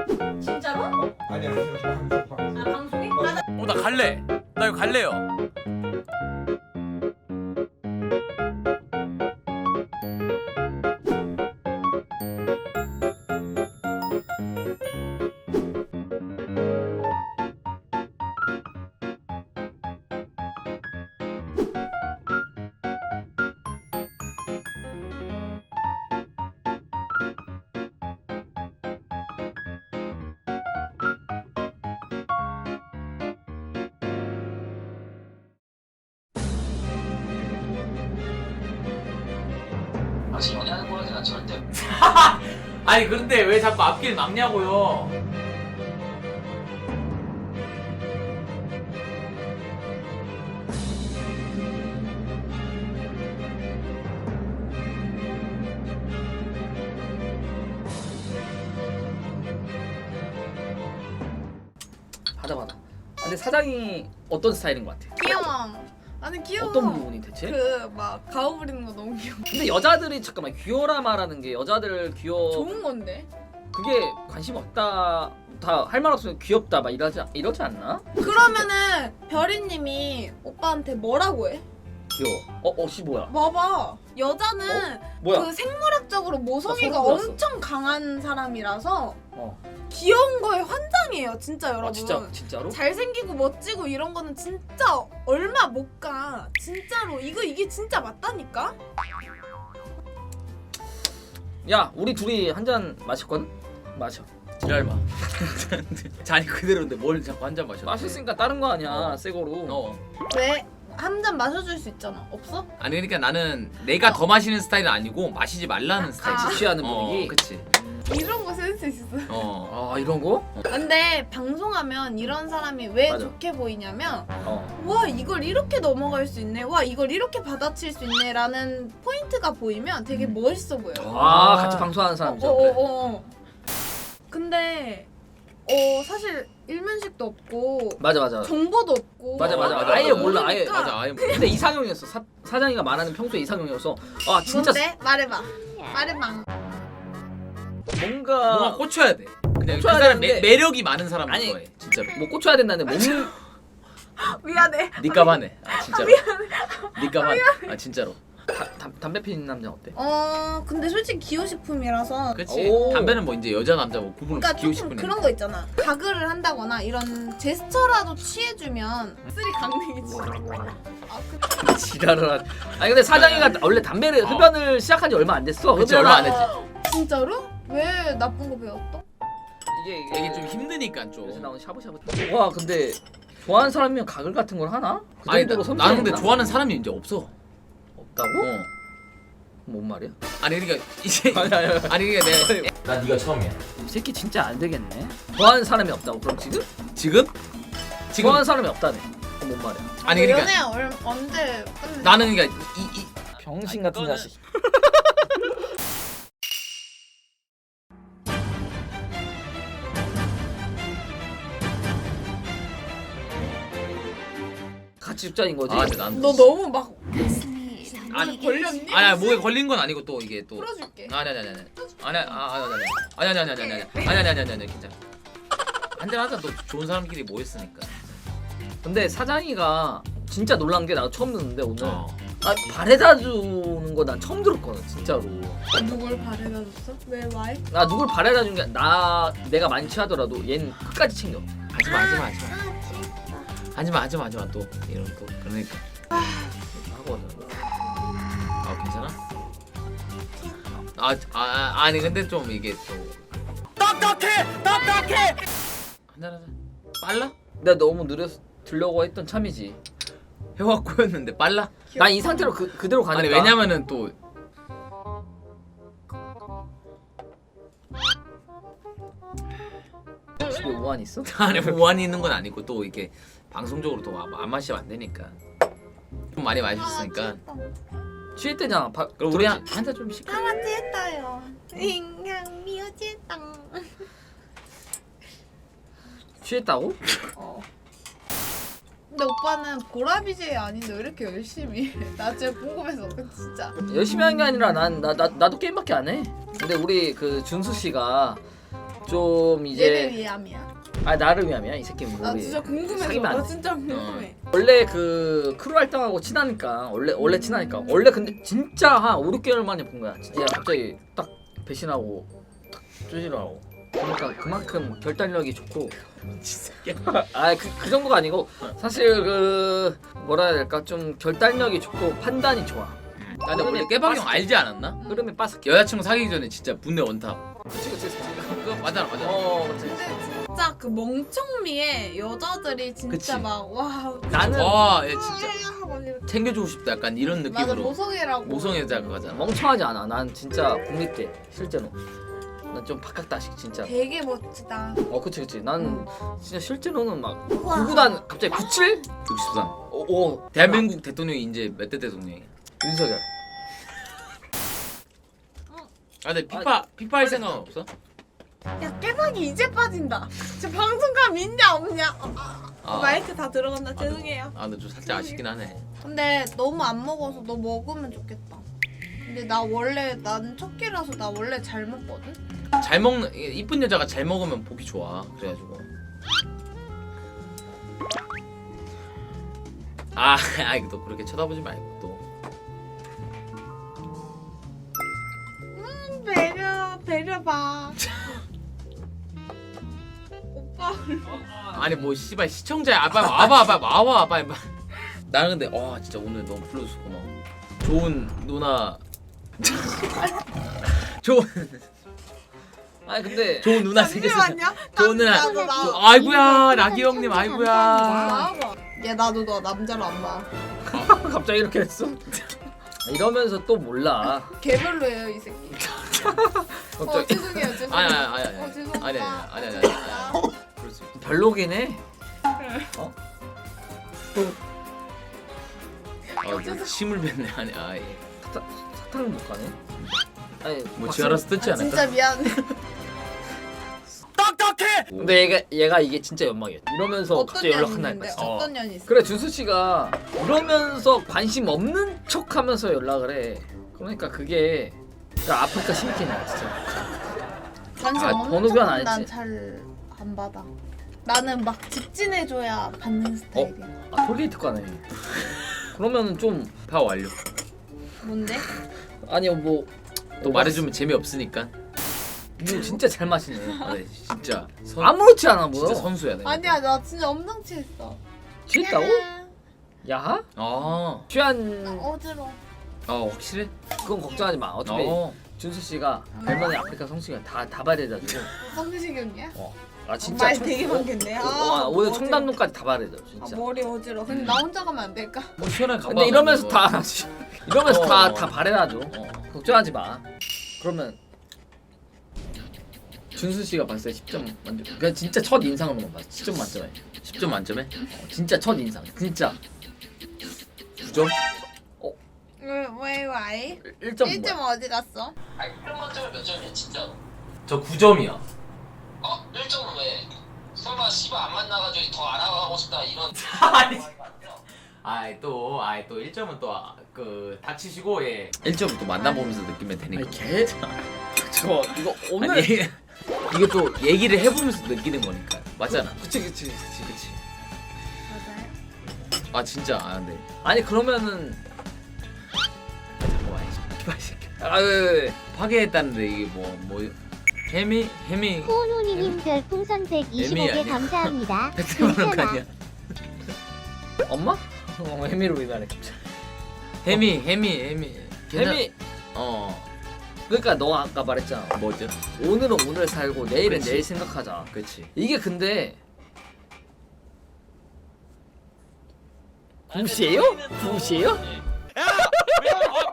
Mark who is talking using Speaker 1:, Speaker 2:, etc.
Speaker 1: 진짜로?
Speaker 2: 아니야
Speaker 1: 아 방송에?
Speaker 3: 나 갈래. 나 이거 갈래요.
Speaker 4: 아직 연애하는 거라서 난 절대
Speaker 3: 아니 그런데 왜 자꾸 앞길 막냐고요.
Speaker 5: 받아. 근데 사장이 어떤 스타일인 것 같아?
Speaker 6: 귀여워. 아니 귀여워.
Speaker 5: 어떤 부분이 대체?
Speaker 6: 그 막 가오 부리는 거 너무 귀여워.
Speaker 5: 근데 여자들이 잠깐만 귀여라 말하는 게 여자들
Speaker 6: 좋은 건데.
Speaker 5: 그게 관심 없다 다 할 말 없으면 귀엽다 막 이러지 않나?
Speaker 6: 그러면은 별이님이 오빠한테 뭐라고 해?
Speaker 5: 귀여워. 혹시 뭐야?
Speaker 6: 봐봐. 여자는
Speaker 5: 뭐야?
Speaker 6: 그 생물학적으로 모성애가
Speaker 5: 나 소름 돋았어.
Speaker 6: 엄청 강한 사람이라서
Speaker 5: 어.
Speaker 6: 귀여운 거에 환장해요, 진짜 여러분.
Speaker 5: 아 진짜로?
Speaker 6: 잘생기고 멋지고 이런 거는 진짜 얼마 못 가. 진짜로 이게 진짜 맞다니까?
Speaker 5: 야 우리 둘이 한 잔 마셨거든? 마셔.
Speaker 3: 지랄마. 잔이 그대로인데 뭘 자꾸 한 잔 마셔.
Speaker 5: 마셨으니까 다른 거 아니야 새 거로.
Speaker 6: 왜? 한 잔 마셔줄 수 있잖아. 없어?
Speaker 3: 아니 그러니까 나는 내가 더 마시는 스타일은 아니고 마시지 말라는 스타일.
Speaker 6: 아.
Speaker 5: 취하는 분위기?
Speaker 3: 그치.
Speaker 6: 이런 거 센스 있어.
Speaker 5: 아 이런 거?
Speaker 6: 근데 방송하면 이런 사람이 왜
Speaker 5: 맞아.
Speaker 6: 좋게 보이냐면
Speaker 5: 어.
Speaker 6: 와 이걸 이렇게 넘어갈 수 있네, 와 이걸 이렇게 받아칠 수 있네 라는 포인트가 보이면 되게 멋있어 보여.
Speaker 5: 아 같이 방송하는 사람이죠.
Speaker 6: 근데 사실 일면식도 없고
Speaker 5: 맞아.
Speaker 6: 정보도 없고
Speaker 5: 맞아.
Speaker 3: 맞아.
Speaker 5: 아예 몰라. 아예
Speaker 6: 모르니까.
Speaker 3: 맞아. 아예
Speaker 5: 근데 이상형이었어. 사장이가 말하는 평소에 이상형이어서 아 진짜
Speaker 6: 뭔데? 말해봐. 말해봐.
Speaker 3: 뭔가 꽂혀야 돼. 그냥 그
Speaker 5: 꽂혀야
Speaker 3: 사람
Speaker 5: 되는데.
Speaker 3: 매력이 많은 사람을
Speaker 5: 아니.
Speaker 3: 좋아해. 진짜로.
Speaker 5: 뭐 꽂혀야 된다는데 몸
Speaker 6: 미안해.
Speaker 3: 니값 하네. 아 진짜로. 니값 하네. 아 진짜로.
Speaker 5: 담배 피는 남자 어때?
Speaker 6: 근데 솔직히 기호식품이라서
Speaker 3: 그치.
Speaker 5: 오.
Speaker 3: 담배는 뭐 이제 여자 남자 뭐 구분
Speaker 6: 그러니까
Speaker 3: 없이
Speaker 6: 조금
Speaker 3: 기호식분이.
Speaker 6: 그런 거 있잖아. 가글을 한다거나 이런 제스처라도 취해주면 쓰리 강냉이지. 아,
Speaker 5: 지랄을 한. 아니 근데 사장이가 원래 담배를 흡연을 시작한 지 얼마 안 됐어.
Speaker 3: 그치,
Speaker 5: 흡연을
Speaker 3: 얼마 안
Speaker 5: 한-
Speaker 6: 진짜로? 왜 나쁜 거 배웠어?
Speaker 3: 이게 좀 힘드니까
Speaker 5: 요새
Speaker 3: 좀.
Speaker 5: 나온 샤브샤브. 와 근데 좋아하는 사람이면 가글 같은 걸 하나? 그
Speaker 3: 아니
Speaker 5: 정도로
Speaker 3: 나는 근데
Speaker 5: 섬세했나?
Speaker 3: 좋아하는 사람이 이제 없어.
Speaker 5: 없다고? 뭔 말이야?
Speaker 3: 아니 그러니까 이제
Speaker 5: 아니.
Speaker 3: 아니 그러니까 내가 나 네가 처음이야.
Speaker 5: 이 새끼 진짜 안 되겠네. 좋아하는 사람이 없다고 그럼 지금?
Speaker 3: 지금?
Speaker 5: 좋아하는 사람이 없다네. 그럼 뭔 말이야?
Speaker 3: 아니 그러니까
Speaker 6: 연애 언제 끝내?
Speaker 3: 나는 그러니까 이
Speaker 5: 병신 같은
Speaker 3: 이거는-
Speaker 5: 자식. 같이 죽자인 거지.
Speaker 3: 아 근데 난
Speaker 6: 너 너무 막
Speaker 3: 아니
Speaker 6: 걸렸니?
Speaker 3: 아니 목에 걸린 건 아니고 또 이게 또
Speaker 6: 풀어줄게.
Speaker 3: 아니 괜찮아. 한잔 하자. 또 좋은 사람끼리 모였으니까.
Speaker 5: 근데 사장이가 진짜 놀란 게 나도 처음 듣는데 오늘.
Speaker 3: 어.
Speaker 5: 아 바래다 주는 거 난 처음 들었거든 진짜로.
Speaker 6: 누굴 바래다 줬어? 왜 와이?
Speaker 5: 나 누굴 바래다 준 게 내가 많이 취하더라도 얜 끝까지 챙겨.
Speaker 3: 하지마 또 이런 또 그러니까
Speaker 5: 하거든.
Speaker 3: 아 괜찮아? 아니 근데 좀 이게 또 딱딱해 한잔 하자. 빨라?
Speaker 5: 내가 너무 느려서 들려고 했던 참이지.
Speaker 3: 혀가 꼬였는데 빨라?
Speaker 5: 난 이 상태로 그대로 가니까.
Speaker 3: 아니 왜냐면은 또
Speaker 5: 집에 우한 있어?
Speaker 3: 안에 무한이 있는 건 아니고 또 이렇게 방송적으로 또 안 마시면 안 되니까 좀 많이 마셨으니까
Speaker 5: 취할 때잖아.
Speaker 3: 그럼 우리
Speaker 5: 들었지?
Speaker 3: 한잔 좀 시켜.
Speaker 6: 다 같이 했어요. 인간 미우지당.
Speaker 5: 취했다고?
Speaker 6: 근데 오빠는 보라 BJ 아닌데 왜 이렇게 열심히 해? 나 진짜 궁금해서 진짜.
Speaker 5: 열심히 하는 게 아니라 나도 게임밖에 안 해. 근데 우리 그 준수 씨가 좀
Speaker 6: 얘를
Speaker 5: 이제
Speaker 6: 위함이야.
Speaker 5: 아 나를 위함이야 이 새끼
Speaker 6: 나
Speaker 5: 우리
Speaker 6: 진짜 궁금해서.
Speaker 5: 사귀면 안
Speaker 6: 나
Speaker 5: 돼.
Speaker 6: 진짜 궁금해.
Speaker 5: 원래 그 크루 활동하고 친하니까 원래 친하니까 원래 근데 진짜 한 5, 6개월 만에 본 거야. 진짜 갑자기 딱 배신하고 딱 쪼지를 하고. 그러니까 그만큼 결단력이 좋고 그 정도가 아니고 사실 그 뭐라 해야 될까 좀 결단력이 좋고 판단이 좋아.
Speaker 3: 아, 근데 원래 깨박이 형 알지 않았나?
Speaker 5: 흐름에 빠삭.
Speaker 3: 여자친구 사귀기 전에 진짜 분내 원탑.
Speaker 5: 그치.
Speaker 3: 그거 맞아.
Speaker 6: 근데 진짜 그 멍청미에 여자들이 진짜
Speaker 3: 그치.
Speaker 6: 막 와.
Speaker 5: 나는
Speaker 3: 와, 얘 진짜
Speaker 6: 하고 이렇게.
Speaker 3: 챙겨주고 싶다. 약간 이런
Speaker 6: 맞아
Speaker 3: 느낌으로.
Speaker 6: 모성애라고.
Speaker 3: 모성애자 그거잖아.
Speaker 5: 멍청하지 않아. 난 진짜 국립 때 실제로. 난 좀 박학다식 진짜.
Speaker 6: 되게 멋지다.
Speaker 5: 그치. 난 진짜 실제로는 막
Speaker 6: 우와.
Speaker 5: 구구단 갑자기 97?
Speaker 3: 63.
Speaker 5: 오
Speaker 3: 대한민국 대통령이 이제 몇 대 대통령이야?
Speaker 5: 윤석열.
Speaker 3: 아, 근데 피파 할 생각 없어?
Speaker 6: 야 깨박이 이제 빠진다. 저 방송감 있냐 없냐?
Speaker 3: 아.
Speaker 6: 마이크 다 들어간다. 죄송해요.
Speaker 3: 아, 근데 좀 살짝 아쉽긴 하네.
Speaker 6: 근데 너무 안 먹어서 너 먹으면 좋겠다. 근데 난 첫 끼라서 나 원래 잘 먹거든.
Speaker 3: 잘 먹는 이쁜 여자가 잘 먹으면 보기 좋아. 그래가지고. 아이 또 그렇게 쳐다보지 말고 또.
Speaker 6: 배려봐. 오빠.
Speaker 3: 아니 뭐 씨발 시청자야. 빨리 와봐. 빨리. 나는 근데 진짜 오늘 너무 불러줘서 고마워. 좋은 누나.
Speaker 5: 아니 근데
Speaker 3: 좋은 누나 생겼어.
Speaker 6: 잠시만요.
Speaker 3: 좋은 누나. 아이고야 라기 형님 아이고야.
Speaker 6: 나와봐. 야 나도 너 남자로 안 봐.
Speaker 5: 갑자기 이렇게 됐어? 이러면서 또 몰라.
Speaker 6: 개별로예요 이 새끼.
Speaker 5: 갑자기
Speaker 6: 죄송해요.
Speaker 3: 아니.
Speaker 6: 죄송합니다.
Speaker 3: 아니. 그럴 수 있어.
Speaker 5: 별로긴 해.
Speaker 3: 침을 뱉네. 아니 예.
Speaker 5: 사탕을 못 가네. 아니
Speaker 3: 뭐 지 알아서 뜯지 않을까?
Speaker 6: 진짜 미안해.
Speaker 5: 근데 얘가 이게 진짜 연막이야. 이러면서
Speaker 6: 어떤
Speaker 5: 갑자기
Speaker 6: 년이
Speaker 5: 연락한 날
Speaker 6: 있는데
Speaker 5: 봤어.
Speaker 6: 어떤 년이 있어?
Speaker 5: 그래 준수 씨가 이러면서 관심 없는 척하면서 연락을 해. 그러니까 그게 아프리카 신기해 진짜.
Speaker 6: 관심
Speaker 5: 아,
Speaker 6: 없는
Speaker 5: 번호 교환 안
Speaker 6: 척은 난
Speaker 5: 했지?
Speaker 6: 잘 안 받아. 나는 막 직진해줘야 받는 스타일이야.
Speaker 5: 톨게이트 가네. 그러면은 좀
Speaker 3: 파 완료.
Speaker 6: 뭔데?
Speaker 5: 아니요 뭐
Speaker 3: 또 말해주면 재미없으니까.
Speaker 5: 뭐 진짜 잘 마시네.
Speaker 3: 네, 진짜
Speaker 5: 아무렇지 않아 보여.
Speaker 3: 진짜 선수야. 내가.
Speaker 6: 아니야 나 진짜 엄청 취했어.
Speaker 5: 취했다고? 야하?
Speaker 3: 아,
Speaker 5: 취한
Speaker 6: 어지러워.
Speaker 3: 확실해?
Speaker 5: 그건 걱정하지 마. 어차피 준수 씨가 얼마나 아프리카 성수기가 다 발해가지고.
Speaker 6: 성시경이야?
Speaker 5: 아 진짜
Speaker 6: 말 되게 많겠네.
Speaker 5: 오늘
Speaker 6: 어지러워.
Speaker 5: 청담동까지 다 발해져 진짜.
Speaker 6: 머리 어지러워. 근데 나 혼자 가면 안 될까?
Speaker 3: 뭐 시원하게 가봐.
Speaker 5: 근데 이러면서
Speaker 3: 뭐.
Speaker 5: 다 이러면서
Speaker 3: 어.
Speaker 5: 다 발해놔줘. 걱정하지 마. 그러면 준수 씨가 봤을 때 10점 만점. 그냥 진짜 첫 인상으로만 봤어. 10점 만점에.
Speaker 3: 10점 만점에?
Speaker 5: 진짜 첫 인상. 진짜
Speaker 3: 9점?
Speaker 6: 왜 와이?
Speaker 5: 1점
Speaker 6: 1점
Speaker 5: 뭐야?
Speaker 6: 어디 갔어?
Speaker 4: 아니 1점 만점에 몇 점이야 진짜로?
Speaker 3: 저 9점이야.
Speaker 4: 1점은 왜? 설마 씨발 안 만나가지고 더 알아가고 싶다 이런
Speaker 3: 아이 또 1점은 또 그 닥치시고 예. 1점은 또 만나보면서 느끼면 되니까.
Speaker 5: 아니 개. 저 이거 오늘
Speaker 3: 아니, 이게 또 얘기를 해보면서 느끼는 거니까. 맞잖아.
Speaker 5: 그치.
Speaker 6: 맞아요.
Speaker 3: 아 진짜 근데
Speaker 5: 아니 그러면은
Speaker 3: 잠깐만 새끼.
Speaker 5: 왜.
Speaker 3: 파괴했다는데 이게 뭐 해미
Speaker 2: 후누니님 별풍선 125개
Speaker 3: 아니야.
Speaker 2: 감사합니다.
Speaker 3: 100만 원 아니야?
Speaker 5: 엄마? 해미로 위반해.
Speaker 3: 해미
Speaker 5: 해미. 그러니까 너 아까 말했잖아.
Speaker 3: 뭐죠?
Speaker 5: 오늘은 오늘 살고 내일은
Speaker 3: 그치.
Speaker 5: 내일 생각하자.
Speaker 3: 그치.
Speaker 5: 이게 근데 붓이에요? 붓이에요?